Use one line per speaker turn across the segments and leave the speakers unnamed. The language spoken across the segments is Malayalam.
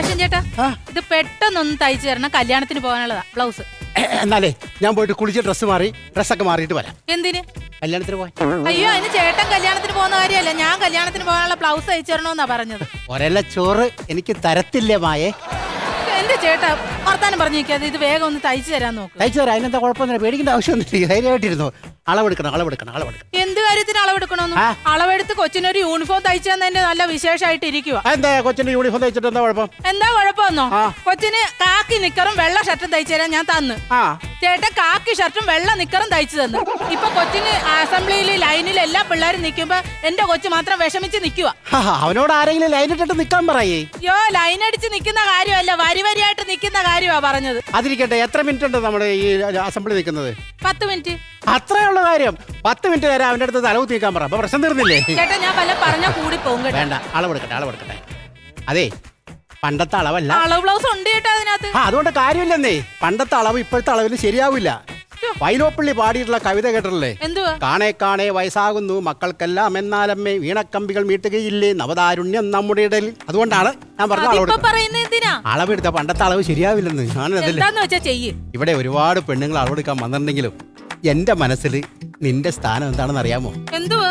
സുരേഷൻ ചേട്ടാ, ഇത് പെട്ടെന്നൊന്ന് തയ്ച്ചു തരണം, കല്യാണത്തിന് പോകാനുള്ളതാ ബ്ലൗസ്.
എന്നാലേ ഞാൻ പോയിട്ട് കുളിച്ച് ഡ്രസ്സൊക്കെ മാറിയിട്ട് വരാം.
എന്തിന്?
കല്യാണത്തിന് പോയി.
അയ്യോ, അതിന് ചേട്ടൻ കല്യാണത്തിന് പോകുന്ന കാര്യമല്ല, ഞാൻ കല്യാണത്തിന് പോകാനുള്ള ബ്ലൗസ് തയ്ച്ചു തരണമെന്നാ പറഞ്ഞത്.
ഒരല്ല ചോറ് എനിക്ക് തരത്തില്ലേ മായേ?
എന്റെ ചേട്ടാ വർത്താനം പറഞ്ഞു നിൽക്കാതെ ഇത് വേഗം ഒന്ന് തയ്ച്ചു തരാൻ നോക്ക്.
തയ്ച്ചു തരാം, അതിനെന്താ കുഴപ്പമൊന്നുമില്ല, പേടിക്കേണ്ട ആവശ്യമൊന്നുമില്ല. ധൈര്യമായിട്ടിരുന്നു. അളവെടുക്കണം.
എന്ത് കാര്യത്തിന് അളവെടുക്കണമെന്ന്? അളവെടുത്ത് കൊച്ചിനൊരു യൂണിഫോം തയ്ച്ചു തന്നെ നല്ല വിശേഷമായിട്ട് ഇരിക്കുക.
എന്താ കൊച്ചിന്റെ യൂണിഫോം തയ്ച്ചിട്ട് എന്താ കുഴപ്പം?
എന്താ കുഴപ്പമെന്നോ? കൊച്ചിന് കാക്കി നിക്കറും വെള്ള ഷർട്ടും തയ്ച്ചു തരാൻ ഞാൻ തന്നു. ചേട്ടൻ കാക്കി ഷർട്ടും വെള്ള നിക്കറും തയ്ച്ചു തന്നു. ഇപ്പൊ കൊച്ചിന് അസംബ്ലിയിൽ ലൈനിൽ എല്ലാ പിള്ളേരും നിൽക്കുമ്പോ എന്റെ കൊച്ചു മാത്രം വിഷമിച്ച് നിൽക്കുക.
അവനോട് ആരെങ്കിലും ലൈൻ ഇട്ടിട്ട് നിക്കാൻ പറയേ?
യോ, ലൈൻ അടിച്ച് നിൽക്കുന്ന കാര്യമല്ല, വരിയായിട്ട് നിൽക്കുന്ന കാര്യമാ പറഞ്ഞത്.
അതിരിക്കട്ടെ, എത്ര മിനിറ്റ് ഉണ്ട് നമ്മുടെ ഈ അസംബ്ലി നിൽക്കുന്നത്?
10 മിനിറ്റ്.
അത്രയുള്ള കാര്യം. 10 മിനിറ്റ് തരാം, അവന്റെ അടുത്ത് തലവ് തീക്കാൻ പറ. അപ്പൊ പ്രശ്നം തീർന്നില്ലേ?
ചേട്ടാ ഞാൻ വല്ല പറഞ്ഞ കൂടി പോകും.
വേണ്ട, അളവെടുക്കട്ടെ. അതെ, പണ്ടത്തെ അളവല്ല.
അളവ് ബ്ലൗസ് ഉണ്ട് ചേട്ടാ അതിനകത്ത്.
അതുകൊണ്ട് കാര്യമില്ലെന്നേ. പണ്ടത്തെ അളവ് ഇപ്പോഴത്തെ അളവിൽ ശരിയാവില്ല. വൈലോപ്പള്ളി പാടിയിട്ടുള്ള കവിത കേട്ടിട്ടില്ലേ?
എന്തുവാ?
കാണേ വയസ്സാകുന്നു മക്കൾക്കെല്ലാം, എന്നാലമ്മേ വീണക്കമ്പികൾ മീട്ടുകയില്ലേ നവതാരുണ്യം നമ്മുടെ ഇടയിൽ. അതുകൊണ്ടാണ് ഞാൻ പറഞ്ഞ അളവെടുത്ത പണ്ടത്തെ അളവ് ശരിയാവില്ലെന്ന്. ഇവിടെ ഒരുപാട് പെണ്ണുങ്ങൾ അളവെടുക്കാൻ വന്നിട്ടുണ്ടെങ്കിലും എന്റെ മനസ്സിൽ നിന്റെ സ്ഥാനം എന്താണെന്ന് അറിയാമോ?
എന്തുവാ?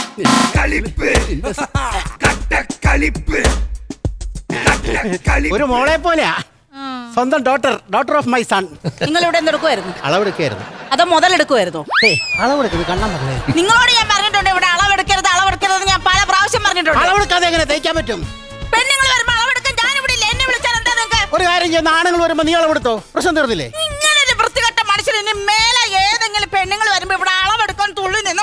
ഒരു മോളെ പോലെയാ, സ്വന്തം ഡോട്ടർ ഓഫ് മൈ സൺ.
നിങ്ങൾ ഇവിടെ എന്തെടുക്കുമായിരുന്നു?
അളവെടുക്കായിരുന്നു.
അതോ മുതലെടുക്കുമായിരുന്നു?
അളവെടുക്കുന്നത് കണ്ണാൻ പറഞ്ഞേ.
നിങ്ങളോട് ഞാൻ പറഞ്ഞിട്ടുണ്ട് ഇവിടെ അളവെടുക്കരുത് ഞാൻ പല പ്രാവശ്യം പറഞ്ഞിട്ടുണ്ട്.
അളവെടുക്കാതെ എങ്ങനെ തയ്ക്കാൻ പറ്റും?
പെണ്ണുങ്ങൾ വരുമ്പോ അളവെടുക്കാൻ ഞാൻ ഇവിടെ ഇല്ല. എന്നെ വിളിച്ചാൽ എന്താ നിങ്ങൾക്ക്?
ഒരു കാര്യം ചെയ്യുന്ന ആണുങ്ങൾ വരുമ്പോ നീ അളവെടുത്തോ, പ്രശ്നം തീർന്നില്ലേ?
ഇങ്ങനൊരു വൃത്തികെട്ട മനുഷ്യൻ ഇനി മേലെ ഏതെങ്കിലും പെണ്ണുങ്ങൾ വരുമ്പോ ഇവിടെ അളവെടുക്കാൻ തുള്ളി നിന്ന്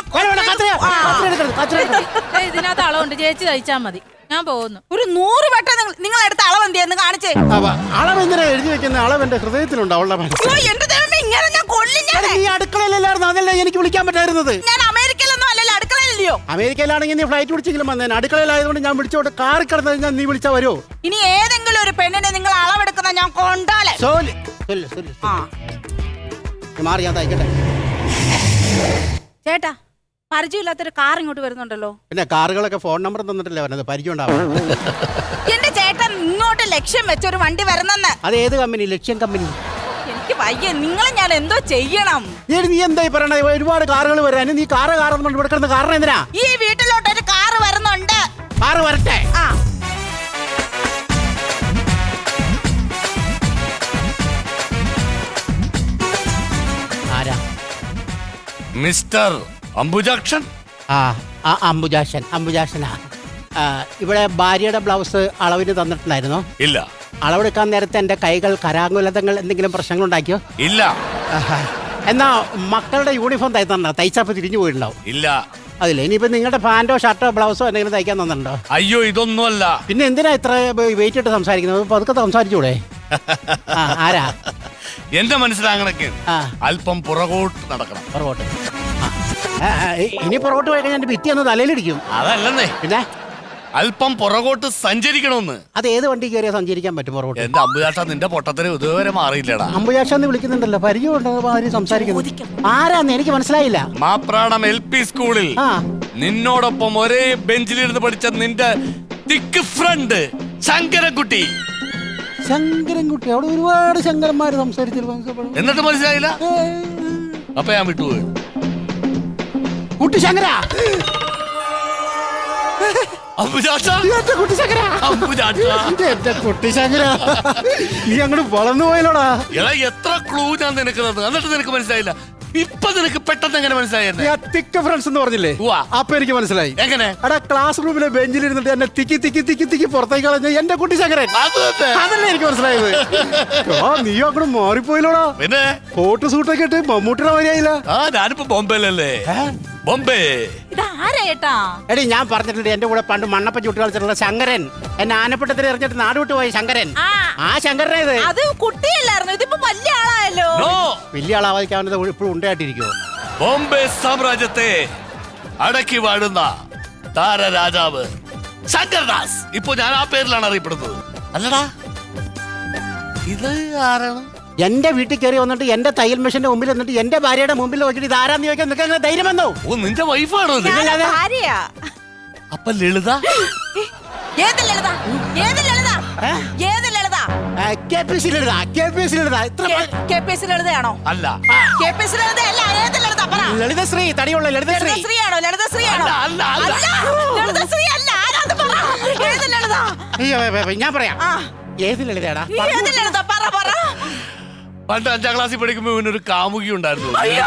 ഇതിനകത്ത് അളവുണ്ട്, ചേച്ചി തയ്ച്ചാ മതി, ഞാൻ പോകുന്നു.
ഒരു 100 വട്ടം നിങ്ങൾ എടുത്ത അളവ് എന്തിയെന്ന് കാണിച്ചേ.
അളവ് എന്തിനാ എഴുതി വെക്കുന്ന? അളവ് എന്റെ ഹൃദയത്തിലുണ്ട്, അവളുടെ
എന്റെ ദൈവമേ, ഇങ്ങനെ ഞാൻ കൊല്ലില്ല.
നീ അടുക്കളയിലല്ലായിരുന്നു, അതല്ലേ എനിക്ക് വിളിക്കാൻ പറ്റായിരുന്നത്.
ഞാൻ അമേരിക്കയിലൊന്നും അല്ലല്ലോ, അടുക്കളയിലല്ലയോ.
അമേരിക്കയിലാണെങ്കിൽ നീ ഫ്ലൈറ്റ് പിടിച്ചെങ്കിലും വന്നേനെ. അടുക്കളയിലായതുകൊണ്ട് ഞാൻ വിളിച്ചോട്ട് കാറി കിടന്നു കഴിഞ്ഞാൽ നീ വിളിച്ചാ വരുമോ?
ഇനി ഏതെങ്കിലും ഒരു പെണ്ണിനെ നിങ്ങൾ അളവെടുക്കുന്ന ഞാൻ കൊണ്ടാലേ.
മാറി ഞാൻ തയ്ക്കട്ടെ.
ചേട്ടാ, പരിചയമില്ലാത്തൊരു കാർ ഇങ്ങോട്ട് വരുന്നുണ്ടല്ലോ.
പിന്നെ കാറുകളൊക്കെ ഫോൺ നമ്പർ തന്നിട്ടില്ലേ പറഞ്ഞത്, പരിചയം ഉണ്ടാവും.
എന്റെ ചേട്ടൻ ഇങ്ങോട്ട് ലക്ഷ്യം വെച്ചൊരു വണ്ടി വരുന്നെന്ന്.
അത് ഏത് കമ്പനി? ലക്ഷ്യം കമ്പനി.
എനിക്ക് വയ്യ, നിങ്ങളെ ഞാൻ എന്തോ ചെയ്യണം.
നീ എന്തായി പറയണ? ഒരുപാട് കാറുകൾ വരാൻ നീ കാറെന്ന് ഇവിടെ കിടന്ന കാരണം എന്തിനാ?
ഈ വീട്ടിലോട്ട് ഒരു കാറ് വരുന്നുണ്ട്.
കാറ് വരട്ടെ. ആരാ?
മിസ്റ്റർ അംബുജാക്ഷൻ.
അംബുജാക്ഷനാ. ഇവിടെ ഭാര്യയുടെ ബ്ലൗസ് അളവിന് തന്നിട്ടുണ്ടായിരുന്നോ?
ഇല്ല.
അളവെടുക്കാൻ നേരത്തെ എന്റെ കൈകൾ കരാങ്കുലതങ്ങൾ എന്തെങ്കിലും പ്രശ്നങ്ങൾ ഉണ്ടാക്കിയോ?
ഇല്ല.
എന്നാ മക്കളുടെ യൂണിഫോം തയ്ച്ചപ്പോ തിരിഞ്ഞു പോയിട്ടുണ്ടാവും?
ഇല്ല.
അതില്ല. ഇനിയിപ്പോ നിങ്ങളുടെ പാന്റോ ഷർട്ടോ ബ്ലൗസോ എന്തെങ്കിലും തയ്ക്കാൻ തന്നിട്ടുണ്ടോ?
അയ്യോ, ഇതൊന്നുമല്ല.
പിന്നെ എന്തിനാ ഇത്ര വെയിറ്റ് ഇട്ട് സംസാരിക്കുന്നത്? പതുക്കെ സംസാരിച്ചൂടെ? ആരാ?
എന്റെ മനസ്സിലാകണക്ക് അല്പം പുറകോട്ട് നടക്കണം.
പുറകോട്ട്? ഇനി പുറകോട്ട് പോയി കഴിഞ്ഞാൽ ഭിത്തി ഒന്ന് തലയിലിടിക്കും.
അതല്ലെന്നേ,
പിന്നെ
അല്പം പുറകോട്ട് സഞ്ചരിക്കണമെന്ന്.
അത് ഏത് വണ്ടി കയറിയാ സഞ്ചരിക്കാൻ പറ്റും പുറകോട്ട്?
എന്റെ അമ്പുജാഷ, നിന്റെ പൊട്ടത്തിന് ഇതുവരെ മാറിയില്ലടാ.
അമ്പുജാഷ എന്ന് വിളിക്കുന്നുണ്ടല്ലോ, പരിചയമുണ്ടോ സംസാരിക്കുന്നു? ആരാന്ന് എനിക്ക് മനസ്സിലായില്ല.
മാപ്രാണം LP സ്കൂളിൽ നിന്നോടൊപ്പം ഒരേ ബെഞ്ചിലിരുന്ന് പഠിച്ച നിന്റെ തിക്ക് ഫ്രണ്ട് ശങ്കരൻകുട്ടി.
ശങ്കരൻകുട്ടി? അവിടെ ഒരുപാട് ശങ്കരന്മാര് സംസാരിച്ചിരുന്നു.
എന്നിട്ട് മനസ്സിലായില്ല? അപ്പൊ ഞാൻ വിട്ടുപോയി.
കുട്ടി ശങ്കര. നീ അങ്ങോട്ട് വളർന്നു പോയല്ലോടാ.
എത്ര ക്ലൂ ഞാൻ നിനക്ക് തന്നു, എന്നിട്ട് നിനക്ക് മനസ്സിലായില്ല. ഇപ്പൊ നിനക്ക് പെട്ടെന്ന് എങ്ങനെ മനസ്സിലായി?
തിക്ക് ഫ്രണ്ട്സ് എന്ന് പറഞ്ഞില്ലേ, അപ്പൊ എനിക്ക് മനസ്സിലായി.
എങ്ങനെ?
എടാ, ക്ലാസ് റൂമിലെ ബെഞ്ചിൽ ഇരുന്നിട്ട് എന്നെ തിക്കി പുറത്തേക്ക് കളഞ്ഞ എന്റെ കുട്ടി ശങ്കരൻ. അതല്ലേ എനിക്ക് മനസ്സിലായത്. നീ അങ്ങോട്ട് മാറിപ്പോയില്ലോടാ.
പിന്നെ
കോട്ട് സൂട്ടൊക്കെ ഇട്ട് മമ്മൂട്ടിയുടെ വരിയായില്ല.
ഞാനിപ്പോ ബോംബെയിലല്ലേ. ബോംബെ.
എടി, ഞാൻ പറഞ്ഞിട്ടുണ്ട് എന്റെ കൂടെ പണ്ട് മണ്ണപ്പ ചുട്ട് കളിച്ചിട്ടുള്ള ശങ്കരൻ. എന്നെ ആനപ്പട്ടത്തിൽ എറിഞ്ഞിട്ട് നാട് വിട്ടു പോയി ശങ്കരൻ. ആ ശങ്കരനെ
അത് കുട്ടിയല്ലായിരുന്നു, ഇതിപ്പോ വലിയ ആളായല്ലോ.
വലിയ ആളാവാതിരിക്കാവുന്നത് ഇപ്പോഴും ഉണ്ടായിട്ടിരിക്കുവോ?
ബോംബെ സാമ്രാജ്യത്തെ അടക്കി വാഴുന്ന താരരാജാവ് ശങ്കർദാസ്. ഇപ്പൊ ഞാൻ ആ പേരിലാണ് അറിയപ്പെടുന്നത്. അല്ലടാ, ഇത് ആരാണ്?
എന്റെ വീട്ടിൽ കയറി വന്നിട്ട് എന്റെ തയ്യൽ മെഷീന്റെ മുമ്പിൽ വന്നിട്ട് എന്റെ ഭാര്യയുടെ മുമ്പിൽ നോക്കിയിട്ട് ഇത് ആരാന്ന് ചോദിക്കാൻ നിൽക്കാൻ ധൈര്യം വന്നോ?
ഓ, നിന്റെ വൈഫാണോ? അപ്പൊ ലളിത?
ഏത് ലളിത? ഏത് ലളിത? ഏത് ലളിത?
KPSC എഴുതാ ഇത്ര
KPSC ലളിതയാണോ?
അല്ല
KPSC ലളിതയല്ല, ഏത് ലളിത? പറ.
ലളിതശ്രീ തടിയുള്ള ലളിതശ്രീ
ലളിതശ്രീയാണോ? ലളിതശ്രീയാണോ?
അല്ല, അല്ല, അല്ല.
അല്ല, ലളിതശ്രീ അല്ല. ആരാത്? പറ. ഏത് ലളിത?
അയ്യോ ഞാൻ പറയാം
ആ.
ഏത് ലളിതയാടാ
ഏത് ലളിത? പറ.
പണ്ട് 5ാം ക്ലാസ്സിൽ പഠിക്കുമ്പോ ഇവനൊരു കാമുകി ഉണ്ടായിരുന്നു.
അയ്യോ.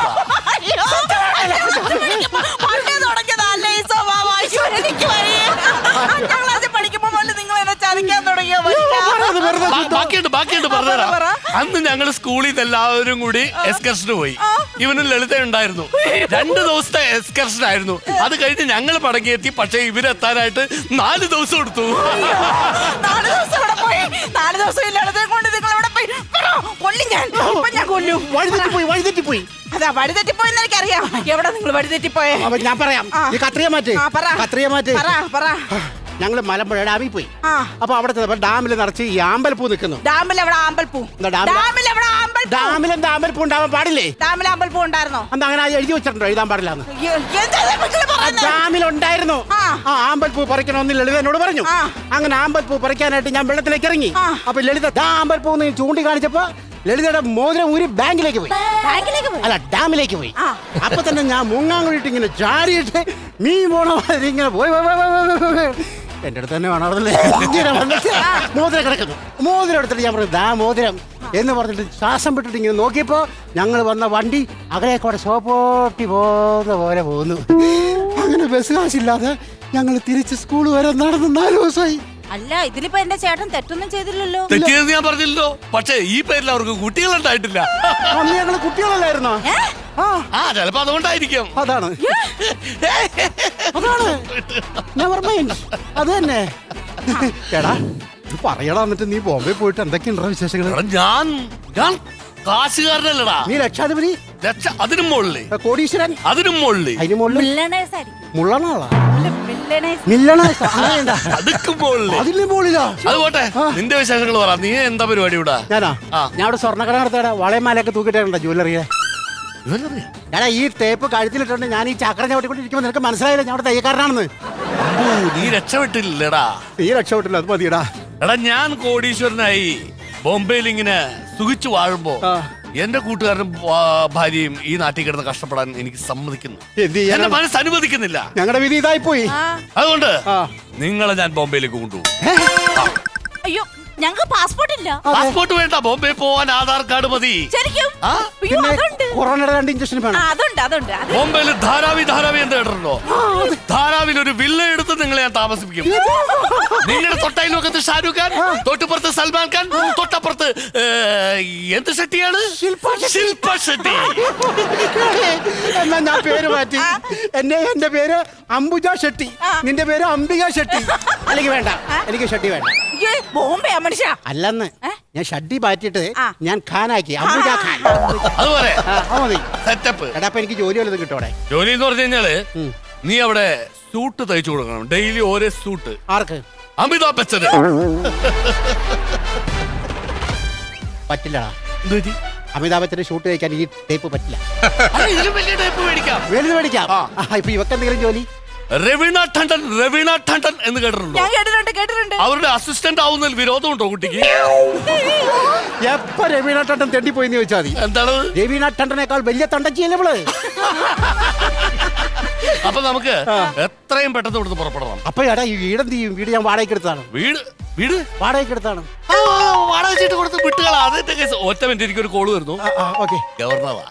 പണ്ടേ തുടങ്ങിയതല്ലേ ഈ സ്വഭാവം? അയ്യോ, എനിക്ക് വയ്യ. 5ാം ക്ലാസ്സിൽ പഠിക്കുമ്പോ മുതൽ നിങ്ങൾ എന്നെ ചതിക്കാൻ തുടങ്ങിയോ?
ബാക്കിയുണ്ട് പറഞ്ഞുതരാം. അന്ന് ഞങ്ങൾ സ്കൂളിൽ നിന്ന് എല്ലാവരും കൂടി എക്സ്കർഷന് പോയി. ഇവനും ലളിത ഉണ്ടായിരുന്നു. 2 ദിവസത്തെ എക്സ്കർഷൻ ആയിരുന്നു. അത് കഴിഞ്ഞ് ഞങ്ങൾ മടങ്ങിയെത്തി. പക്ഷെ ഇവരെത്താനായിട്ട് 4 ദിവസം എടുത്തു.
4 ദിവസം ഇവിടെ പോയി. 4 ദിവസം ഈ ലളിതയെ കൊണ്ട് നിങ്ങൾ ഇവിടെ പോയി. പറ. കൊല്ലും ഞാൻ. ഇപ്പൊ ഞാൻ കൊല്ലും.
വഴിതെറ്റിപ്പോയി
അതാ വഴിതെറ്റിപ്പോയെന്ന് എനിക്കറിയാം. എവിടെ നിങ്ങൾ വഴിതെറ്റിപ്പോയെ?
അപ്പൊ ഞാൻ പറയാം ഈ കത്രിയ മാറ്റ്
പറ.
ഞങ്ങള് മലമ്പുഴ ഡാമിൽ പോയി. അപ്പൊ അവിടെ ഡാമിൽ നിറച്ച് ഈ ആമ്പൽപ്പൂ നിൽക്കുന്നു.
ഡാമിൽ എവിടെ ആമ്പൽപ്പൂ?
ഡാമിൽ എന്താ ആമ്പൽപ്പൂ ഉണ്ടാവാൻ പാടില്ലേ?
ഡാമിൽ ആമ്പൽപ്പൂ ഉണ്ടായിരുന്നോ?
എന്താ അങ്ങനെ എഴുതി വെച്ചിട്ടുണ്ടോ എഴുതാൻ പാടില്ലാന്ന്?
എന്താ
ഡാമിലുണ്ടായിരുന്നു. ആമ്പൽപ്പൂ പറിക്കണമെന്ന് ലളിത എന്നോട് പറഞ്ഞു. അങ്ങനെ ആമ്പൽപ്പൂ പറിക്കാനായിട്ട് ഞാൻ വെള്ളത്തിലേക്ക് ഇറങ്ങി. അപ്പൊ ലളിത ആമ്പൽപ്പൂ ചൂണ്ടിക്കാണിച്ചപ്പോ ലളിതയുടെ മോതിരം ഊരി ബാങ്കിലേക്ക് പോയി. അല്ല, ഡാമിലേക്ക് പോയി. അപ്പൊ തന്നെ ഞാൻ മുങ്ങാങ്കുഴിട്ട് ഇങ്ങനെ ചാടിയിട്ട് മീൻ പോണ മാതിരി ഇങ്ങനെ പോയി എന്റെ അടുത്ത് തന്നെ വേണമല്ലേ മോതിരം കിടക്കുന്നു. മോതിരം എടുത്തിട്ട് ഞാൻ പറഞ്ഞു ദാ മോതിരം എന്ന് പറഞ്ഞിട്ട് ശ്വാസം വിട്ടിട്ട് ഇങ്ങനെ നോക്കിയപ്പോ ഞങ്ങൾ വന്ന വണ്ടി അകലേക്കൂടെ സോപ്പോട്ടി പോകുന്ന പോലെ പോകുന്നു. അങ്ങനെ ബസ് കാശില്ലാതെ ഞങ്ങൾ തിരിച്ച് സ്കൂൾ വരെ നടന്ന് 4 ദിവസമായി.
അല്ല, ഇതിലിപ്പോ എന്റെ ചേട്ടൻ തെറ്റൊന്നും ചെയ്തില്ലല്ലോ.
തെറ്റിയെന്ന് ഞാൻ പറഞ്ഞില്ലല്ലോ. പക്ഷെ ഈ പേരിൽ അവർക്ക് കുട്ടികളുണ്ടായിട്ടില്ല.
അന്ന് ഞങ്ങൾ കുട്ടികളല്ലായിരുന്നോ?
ചിലപ്പോ അതുകൊണ്ടായിരിക്കും.
അതാണ് അത് തന്നെ. എടാ പറയടാ, എന്നിട്ട് നീ ബോംബെ പോയിട്ട് എന്തൊക്കെയുണ്ടോ വിശേഷങ്ങൾ?
ഞാൻ കാശുകാരനല്ലടാ.
നീ ലക്ഷാധിപതി,
അതിനും മുകളിൽ
കോടീശ്വരൻ,
അതിനും മുകളിൽ,
അതിന് മുകളിൽ മുള്ളണാളാ അതിന് മുകളിലാ.
അത് പോട്ടെ, നിന്റെ വിശേഷങ്ങൾ പറ. നീ എന്താ പരിപാടി ഇവിടെ?
ഞാനാ ഞാൻ ഇവിടെ സ്വർണ്ണക്കട നടത്തടാ. വളയമാലയൊക്കെ തൂക്കിട്ടുണ്ടോ ജ്വല്ലറിയെ? ഞാനാ ഈ ടേപ്പ് കഴുത്തിലിട്ടുണ്ട്. ഞാൻ ഈ ചക്രം ചവിട്ടിക്കൊണ്ടിരിക്കുമ്പോ നിനക്ക് മനസ്സിലായില്ല ഞാൻ അവിടെ തയ്യക്കാരനാണെന്ന്.
നീ രക്ഷപ്പെട്ടില്ലടാ.
നീ രക്ഷപ്പെട്ടില്ല, അത് മതിയടാ.
എടാ, ഞാൻ കോടീശ്വരനായി ബോംബെയിൽ ഇങ്ങനെ സുഖിച്ചു വാഴുമ്പോ എന്റെ കൂട്ടുകാരനും ഭാര്യയും ഈ നാട്ടിൽ കിടന്ന് കഷ്ടപ്പെടാൻ എനിക്ക് സമ്മതിക്കുന്നു. എന്റെ മനസ്സ് അനുവദിക്കുന്നില്ല.
ഞങ്ങളുടെ വിധി ഇതായി പോയി.
അതുകൊണ്ട് നിങ്ങളെ ഞാൻ ബോംബെയിലേക്ക് കൊണ്ടുപോകും.
അയ്യോ, ഞങ്ങൾക്ക് പാസ്പോർട്ട് ഇല്ല.
പാസ്പോർട്ട് വേണ്ട, ബോംബെ പോവാൻ ആധാർ കാർഡ് മതി.
ശരിക്കും?
കൊറോണയുടെ 2 ഇഞ്ചക്ഷൻ വേണം.
അതുണ്ട്.
ബോംബെയിൽ ധാരാവി എന്ന് കേട്ടിട്ടുണ്ടോ? ധാരാവിൽ ഒരു വില്ല എടുത്ത് നിങ്ങളെ ഞാൻ താമസിപ്പിക്കും. നിങ്ങളുടെ തൊട്ടയിലൊക്കത്ത് ഷാരൂഖ് ഖാൻ, തൊട്ടുപുറത്ത് സൽമാൻ ഖാൻ, തൊട്ടപ്പുറത്ത് എന്ത് ഷെട്ടിയാണ്? ശില്പ ഷെട്ടി.
എന്നാ ഞാൻ പേര് മാറ്റി. എന്റെ പേര് അംബുജ ഷെട്ടി, നിന്റെ പേര് അംബിക ഷെട്ടി. അല്ലെങ്കിൽ വേണ്ട, എനിക്ക് ഷെട്ടി വേണ്ട.
ബോംബെ മനുഷ്യ
അല്ലെന്ന് ഞാൻ ഷഡ്ഡി മാറ്റിട്ട് ഞാൻ ഖാനാക്കി അംബുജ ഖാൻ.
അതുപോലെ സെറ്റപ്പ്.
എടാ, അപ്പൊ എനിക്ക് ജോലി വല്ലതും കിട്ടോടെ?
ജോലി എന്ന് പറഞ്ഞു കഴിഞ്ഞാല് നീ അവിടെ സൂട്ട് തയ്ച്ചു കൊടുക്കണം. ഡെയിലി ഓരോ സൂട്ട്.
ആർക്ക്?
അമിതാഭ് ബച്ചന്.
പറ്റില്ലടാ. അമിതാഭ് ബച്ചന്റെ ഷൂട്ട് കഴിക്കാൻ ഈ ടേപ്പ് പറ്റില്ല.
ഇതിലും വലിയ ടേപ്പ് മേടിക്കാം.
വലുത് മേടിക്കാം. ഇപ്പൊ ഇവക്ക് എന്തെങ്കിലും ജോലി?
രവീണ ടണ്ടൻ എന്ന് കേട്ടിട്ടുണ്ടോ?
കേട്ടിട്ടുണ്ട്.
അവരുടെ അസിസ്റ്റന്റ് ആവുന്നതിൽ വിരോധമുണ്ടോ കുട്ടിക്ക്?
എപ്പ രവീണ ടണ്ടൻ തെണ്ടിപ്പോയിന്ന് ചോദിച്ചാൽ മതി.
എന്താണ്?
രവീണ ടണ്ടനേക്കാൾ വലിയ തണ്ടച്ചിയല്ലേ ഇവള്.
അപ്പൊ നമുക്ക് എത്രയും പെട്ടെന്ന് ഇവിടുന്ന് പുറപ്പെടണം.
അപ്പൊ എടാ, ഈ വീടെന്ത് ചെയ്യും? വീട് ഞാൻ വാടകയ്ക്ക് എടുത്താണ്.
വീട്
വാടകയ്ക്ക് എടുത്താണ്.
വാടക ചീട്ട് കൊടുത്ത് വിട്ടുകളാ. അതിന്റെ കേസ്. ഒറ്റ മിനിറ്റ്, എനിക്കൊരു കോള് വരുന്നു. ഗവർണറാ.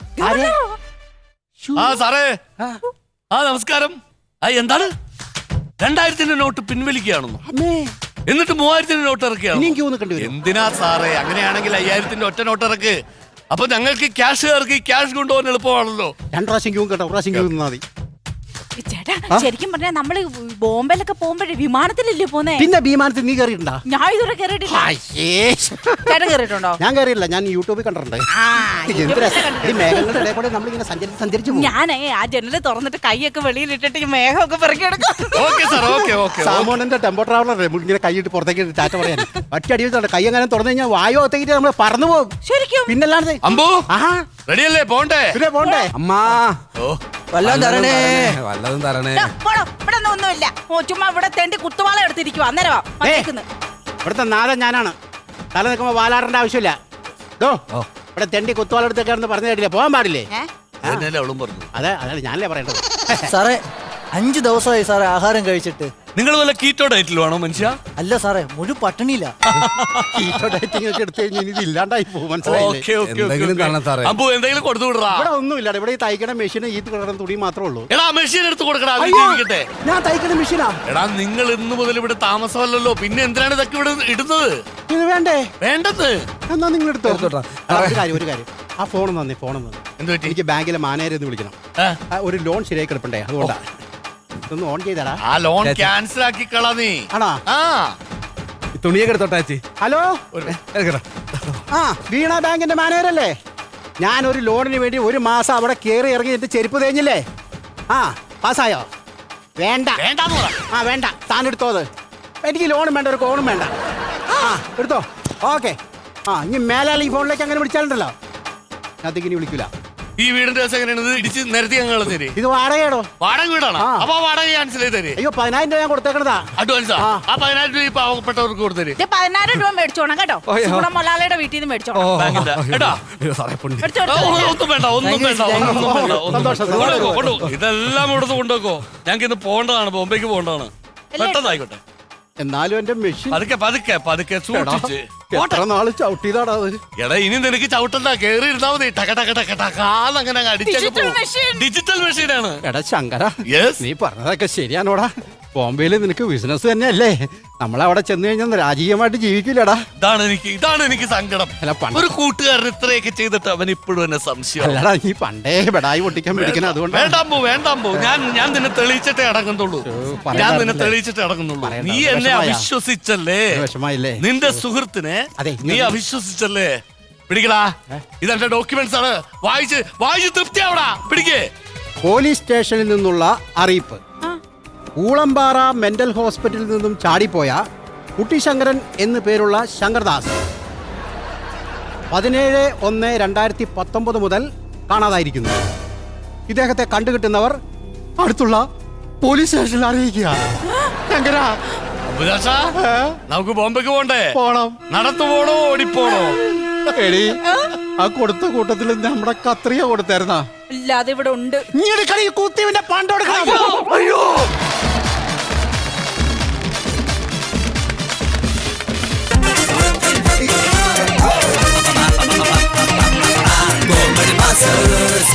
സാറേ, നമസ്കാരം. എന്താണ് 2000-ന്റെ നോട്ട് പിൻവലിക്കുകയാണെന്നോ? എന്നിട്ട് 3000-ന്റെ നോട്ട് ഇറക്കുകയാണ്. എന്തിനാ സാറേ? അങ്ങനെയാണെങ്കിൽ 5000-ന്റെ ഒറ്റ നോട്ട് ഇറക്ക്. അപ്പൊ ഞങ്ങൾക്ക് ക്യാഷ് ഇറക്കി ക്യാഷ് കൊണ്ടുപോകാൻ എളുപ്പമാണല്ലോ.
2 പ്രാവശ്യം ക്യൂ കേട്ടോ, 1 പ്രാവശ്യം ക്യൂ നിന്നാ മതി.
ചേട്ടാ, ശരിക്കും പറഞ്ഞാൽ നമ്മള് ബോംബെയിലൊക്കെ പോകുമ്പോഴേ വിമാനത്തിലല്ലേ പോന്നേ?
പിന്നെ വിമാനത്തിൽ നീ കയറിയിട്ടുണ്ടോ?
ഞാൻ ഇതുവരെ കയറിയിട്ടില്ല. ചേട്ടൻ കയറിയിട്ടുണ്ടോ?
ഞാൻ കയറിയില്ല, ഞാൻ യൂട്യൂബിൽ കണ്ടിട്ടുണ്ട്. മേഘങ്ങളുടെ ഇടയിൽ കൂടെ നമ്മളിങ്ങനെ സഞ്ചരിച്ചു.
ഞാനേ ആ ജനല് തുറന്നിട്ട് കൈയൊക്കെ വെളിയിലിട്ടിട്ട് ഈ മേഘമൊക്കെ പെറുക്കിയെടുക്കും.
സാമോണിന്റെ ടെമ്പോ ട്രാവലർ ഇങ്ങനെ കൈയിട്ട് പുറത്തേക്ക് ടാറ്റ പറയാൻ ഒറ്റ അടി വെച്ചിട്ടുണ്ട്. കൈ അങ്ങനെ തുറന്നു കഴിഞ്ഞാൽ വായു ഒത്തേക്കിട്ട് നമ്മൾ പറന്നു പോകും.
ശരിക്കും?
പിന്നല്ലാതെ
റെഡിയല്ലേ? പോണ്ടേ?
പിന്നെ പോണ്ടേ?
അമ്മാ, വല്ലതും തരണേ.
ഇവിടെ ഒന്നുമില്ല. ചുമ്മാ ഇവിടെ തെണ്ടി കുത്തുവാള എടുത്തിരിക്കുവാ. അന്നേരവാ
ഇവിടുത്തെ നാഥൻ ഞാനാണ്. തല നിൽക്കുമ്പോ വാലാടേണ്ട ആവശ്യമില്ല. ഇവിടെ തെണ്ടി കുത്തുവാളെടുത്തൊക്കെ പറഞ്ഞു കേട്ടില്ലേ, പോകാൻ പാടില്ലേ?
അതന്നെയല്ലേ അവളും പറഞ്ഞു.
അതാണ് ഞാനല്ലേ പറയേണ്ടത്.
സാറേ 5 ദിവസമായി സാറേ ആഹാരം കഴിച്ചിട്ട്.
നിങ്ങൾ വല്ല കീറ്റോ ഡയറ്റിലുമാണോ മനുഷ്യ?
അല്ല സാറേ, മുഴു പട്ടിണിയില്ല.
കീറ്റോ ഡയറ്റിംഗ് ഒക്കെ എടുത്തു കഴിഞ്ഞാൽ ഇത് ഇല്ലാണ്ടായി പോകും, മനസ്സിലായില്ലേ?
അപ്പൊ എന്തെങ്കിലും കൊടുത്തു വിടറാ.
ഇവിടെ ഒന്നുമില്ല. ഇവിടെ ഈ തയ്ക്കണ മെഷീൻ, ഈ കിടന്ന തുണി മാത്രമേ ഉള്ളൂ.
എടാ മെഷീൻ എടുത്ത് കൊടുക്കടാ.
ഞാൻ തയ്ക്കണ മെഷീനാ.
എടാ നിങ്ങൾ ഇന്ന് മുതൽ ഇവിടെ താമസമല്ലല്ലോ, പിന്നെ എന്തിനാണ് ഇതൊക്കെ ഇവിടെ ഇടുന്നത്?
ഇത് വേണ്ടേ?
വേണ്ടത്
എന്നാ നിങ്ങൾ എടുത്തോ. ഒരു കാര്യം, ആ ഫോൺ തന്നെ,
എന്ത് പറ്റി?
എനിക്ക് ബാങ്കിലെ മാനേജർ എന്ന് വിളിക്കണം. ഒരു ലോൺ ശരിയായി കിടപ്പണ്ടേ, അതുകൊണ്ടാ. ഇതൊന്ന് ഓൺ ചെയ്താടാ.
ആ ലോൺ ക്യാൻസൽ ആക്കി കളാ നീ.
ആണോ?
ആ
തുണിയൊക്കെ എടുത്തോട്ടാച്ചി.
ഹലോ, ആ വീണ ബാങ്കിന്റെ മാനേജർ അല്ലേ? ഞാനൊരു ലോണിന് വേണ്ടി 1 മാസം അവിടെ കയറി ഇറങ്ങി എന്റെ ചെരുപ്പ് തേഞ്ഞില്ലേ? ആ പാസ്സായോ? വേണ്ട. ആ വേണ്ട, താൻ എടുത്തോ. അത് എനിക്ക് ലോണും വേണ്ട, ഒരു കോണും വേണ്ട. ആ എടുത്തോ. ഓക്കെ. ആ ഇനി മേലാൽ ഈ ഫോണിലേക്ക് അങ്ങനെ വിളിച്ചാലുണ്ടല്ലോ, അതിങ്ങനെ വിളിക്കൂല.
ഈ വീടിന്റെ ദിവസം എങ്ങനെയാണ്? ഇത് ഇടിച്ച് നിരത്തി ഞങ്ങൾ തരും.
ഇത് വാടകയാണോ?
വാടക വീടാണ്. അപ്പൊ വാടക ക്യാൻസൽ ചെയ്ത് തരും.
അയ്യോ 10,000 രൂപ ഞാൻ കൊടുത്തേക്കണതാ
അഡ്വാൻസാ. ആ 10,000 രൂപ ഈ പാവപ്പെട്ടവർക്ക് കൊടുത്തരും.
10,000 രൂപ മേടിച്ചോണം കേട്ടോ. നമ്മുടെ മൊലാലയുടെ വീട്ടിൽ നിന്ന് മേടിച്ചോണം.
ഒന്നും വേണ്ട, ഒന്നും വേണ്ട. ഇതെല്ലാം ഇവിടുന്ന് കൊണ്ടുവെക്കോ. ഞങ്ങൾക്ക് ഇന്ന് പോകേണ്ടതാണ്, ബോംബെക്ക് പോകേണ്ടതാണ്. പെട്ടെന്നായിക്കോട്ടെ.
എന്നാലും എന്റെ മെഷീൻ
പതുക്കെ സൂക്ഷിച്ച്.
എത്ര നാള് ചവിട്ടിയതാടാ അത്.
എടാ ഇനി നിനക്ക് ചവിട്ടണ്ട, കേറി ഇരുന്നാ മതി. ടകടകടകടകാന്നങ്ങനെ ഡിജിറ്റൽ മെഷീനാണ്.
എടാ ശങ്കര,
Yes.
നീ പറഞ്ഞതൊക്കെ ശരിയാണോടാ? ബോംബെയില് നിനക്ക് ബിസിനസ് തന്നെയല്ലേ? നമ്മളവിടെ ചെന്ന് കഴിഞ്ഞാൽ രാജകീയമായിട്ട് ജീവിക്കില്ലടാ.
ഇതാണ് എനിക്ക് സങ്കടം.
അല്ല,
ഒരു കൂട്ടുകാരൻ ഇത്രയൊക്കെ ചെയ്തിട്ട് അവൻ ഇപ്പോഴും എന്നെ സംശയം.
അല്ലടാ, നീ പണ്ടേ ബെടായി പൊട്ടിക്കാൻ പിടിക്കണം, അതുകൊണ്ട്
വേണ്ടാമ്പോ ഞാൻ നിന്നെ തെളിയിച്ചിട്ടേ അടങ്ങുന്നുള്ളൂ. ഞാൻ നിന്നെ തെളിയിച്ചിട്ടേ അടങ്ങുന്നുള്ളൂ. നീ എന്നെ അവിശ്വസിച്ചല്ലേ?
വിഷമായില്ലേ?
നിന്റെ സുഹൃത്തിനെ
അതെ,
നീ അവിശ്വസിച്ചല്ലേ? പിടിക്കടാ, ഇതെന്റെ ഡോക്യുമെന്റ്സ് ആണ്. വായിച്ച് തൃപ്തിയാവടാ. പിടിക്കേ.
പോലീസ് സ്റ്റേഷനിൽ നിന്നുള്ള അറിയിപ്പ്. ഊളംപാറ മെന്റൽ ഹോസ്പിറ്റലിൽ നിന്നും ചാടിപ്പോയ കുട്ടിശങ്കരൻ എന്നു പേരുള്ള ശങ്കർദാസ് 17/1/2019 മുതൽ കാണാതായിരിക്കുന്നു. ഇദ്ദേഹത്തെ കണ്ടുകിട്ടുന്നവർ അടുത്തുള്ള പോലീസ് സ്റ്റേഷനിൽ അറിയിക്കുക. ശങ്കര,
നമുക്ക് ബോംബെക്ക് പോണ്ടേ?
പോണം.
നടത്തു പോണോ ഓടിപ്പോണോ?
എടി, ആ കൊടുത്ത കൂട്ടത്തിൽ നമ്മുടെ കത്രിയ കൊടുത്തായിരുന്നാ?
ഇല്ല, അത് ഇവിടെ ഉണ്ട്.
നീ എടുക്കണ ഈ കുത്തിവിന്റെ പണ്ടെടുക്കണം.
അയ്യോ
Comedy Masters